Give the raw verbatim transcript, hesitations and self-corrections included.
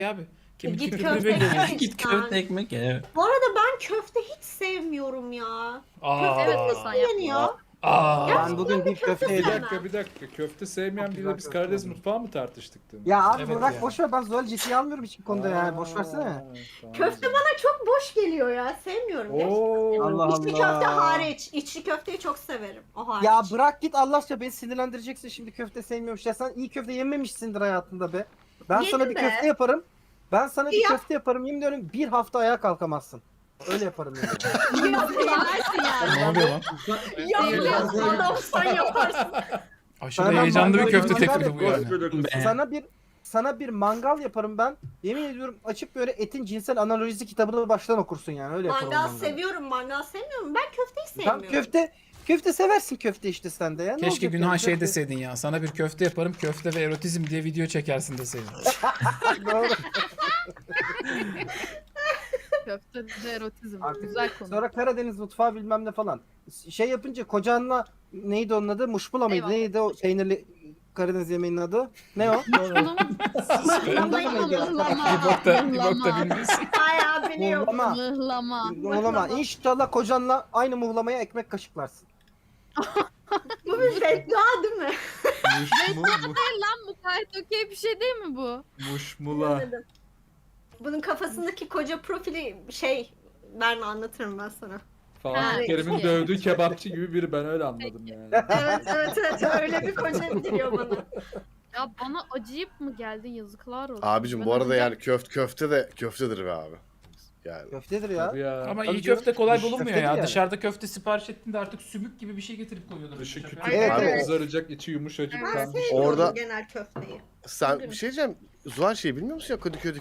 abi. Kemik Git kültürü köfte belli. ye. Git köfte ekmek ye. Bu arada ben köfte hiç sevmiyorum ya. Aa. Evet Hasan ya. Yeniyor. Aa. Ben bugün bir köfte Bir yedim. dakika bir dakika. Köfte sevmeyen Çok biriyle güzel biz köfte Karadeniz yedim. mutfağı mı tartıştık dün? Ya abi Evet bırak ya. boş ver, ben Zuhal ciddiye almıyorum hiçbir konuda yani. Boş versene. Tamam. Köfte bana çok boş geliyor ya. Sevmiyorum. gerçekten. Oo. Allah İçli Allah. köfte hariç. İçli köfteyi çok severim. O hariç. Ya bırak git Allah aşkına, beni sinirlendireceksin şimdi, köfte sevmiyormuş ya, sen iyi köfte yememişsindir hayatında be. Ben Yedim sana bir be. köfte yaparım. Ben sana bir Ya. köfte yaparım, yemin ediyorum bir hafta ayağa kalkamazsın. Öyle yaparım yani. Yok yemezsin yani. Ne oluyor lan? Yok adamsan yaparsın. Aşırı Sana ben heyecanlı bir mangal- köfte mangal teklifi bu yaparım. yani. Be. Sana bir sana bir mangal yaparım ben. Yemin ediyorum açıp böyle etin cinsel analojisi kitabını baştan okursun yani, öyle yaparım. Mangal mangalı. seviyorum, mangal sevmiyorum. Ben köfteyi Tamam, sevmiyorum. köfte köfte seversin, köfte işte sen de ya. Ne Keşke olacak Günhan yani, şey köfte- deseydin ya. Sana bir köfte yaparım, köfte ve erotizm diye video çekersin deseydin. Doğru. Köfte de erotizm. Artık Güzel konu. Sonra Karadeniz mutfağı bilmem ne falan. Şey yapınca kocanla neydi onun adı? Muşmula mıydı? Eyvallah. Neydi o peynirli Karadeniz yemeğinin adı? Ne o? Bunun Mıhlamayı mıydı? Bir bok da, bir bok da bilmiyorsun. Bayağı biliyorum. Muhlama. Mıhlama. Muhlama. İnşallah kocanla aynı muhlamaya ekmek kaşıklarsın. Bu bir beddua değil mi? Muşmu, Lan bu gayet okey bir şey değil mi bu? muşmula. Anladım. Bunun kafasındaki koca profili şey, ben anlatırım ben sana. Fatih Ha, Kerim'in peki. dövdüğü kebapçı gibi biri, ben öyle anladım yani. Evet evet evet öyle bir koca geliyor bana. Ya bana acıyıp mı geldin, yazıklar olsun. Abicim Ben bu arada acayip- yani köfte köfte de köftedir be abi. Yani Köftedir ya. Tabii ya. Ama Tabii iyi canım. köfte kolay Köfte bulunmuyor değil ya. yani. Dışarıda köfte sipariş ettiğinde artık sümük gibi bir şey getirip koyuyorlar. Dışı küçük, Evet, abi evet. kızaracak, içi yumuşacık. Ben Ben sevmiyorum Orada- genel köfteyi. sen bir şey diyeceğim. Zuhal şey bilmiyor musun ya, Kadıköy'de